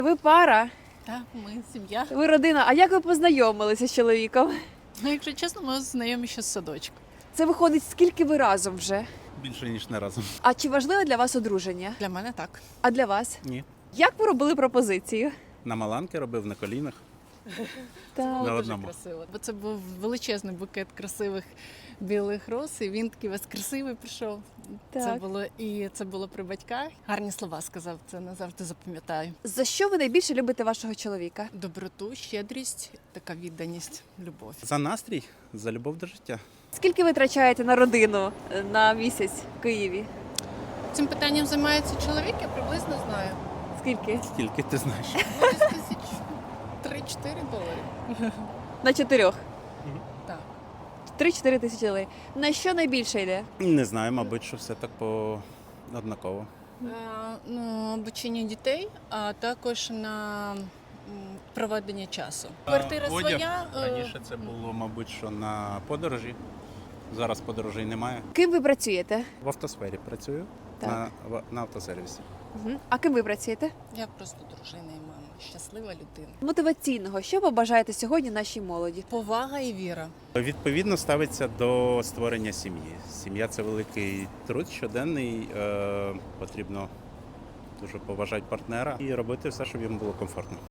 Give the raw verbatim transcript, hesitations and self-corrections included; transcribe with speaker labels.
Speaker 1: Ви пара,
Speaker 2: Так, ми сім'я.
Speaker 1: ви родина. А як ви познайомилися з чоловіком?
Speaker 2: Ну, якщо чесно, ми знайомі ще з садочку.
Speaker 1: Це виходить, скільки ви разом вже?
Speaker 3: Більше, ніж не разом.
Speaker 1: А чи важливе для вас одруження?
Speaker 2: Для мене так.
Speaker 1: А для вас?
Speaker 3: Ні.
Speaker 1: Як ви робили пропозицію?
Speaker 3: На маланки робив, на колінах.
Speaker 1: Так.
Speaker 3: На
Speaker 2: Дуже
Speaker 3: одному.
Speaker 2: красиво. Бо це був величезний букет красивих білих роз, і він такий весь красивий прийшов. Це
Speaker 1: Так.
Speaker 2: було і це було при батьках. Гарні слова сказав, це назавжди запам'ятаю.
Speaker 1: За що ви найбільше любите вашого чоловіка?
Speaker 2: Доброту, щедрість, така відданість, любов.
Speaker 3: За настрій, за любов до життя.
Speaker 1: Скільки ви витрачаєте на родину е, на місяць в Києві?
Speaker 2: Цим питанням займається чоловік, я приблизно знаю.
Speaker 1: Скільки?
Speaker 3: Скільки ти знаєш?
Speaker 2: Десь тисяч три-чотири долари.
Speaker 1: На чотирьох.
Speaker 2: Так.
Speaker 1: Три-чотири тисячі доларів. На що найбільше йде?
Speaker 3: Не знаю, мабуть, що все так по однаково.
Speaker 2: Е, Ну, обучення дітей, а також на м, проведення часу. Квартира
Speaker 3: Одяг.
Speaker 2: своя. е,
Speaker 3: Раніше це було, мабуть, що на подорожі. Зараз подорожей немає.
Speaker 1: Ким ви працюєте?
Speaker 3: В автосфері працюю,
Speaker 1: Так.
Speaker 3: на, в- на автосервісі.
Speaker 1: Угу. А ким ви працюєте?
Speaker 2: Я просто дружина і мама, щаслива людина.
Speaker 1: Мотиваційного, що побажаєте сьогодні нашій молоді?
Speaker 2: Повага і віра.
Speaker 3: Відповідно ставиться до створення сім'ї. Сім'я це великий труд щоденний. Е, потрібно дуже поважати партнера і робити все, щоб йому було комфортно.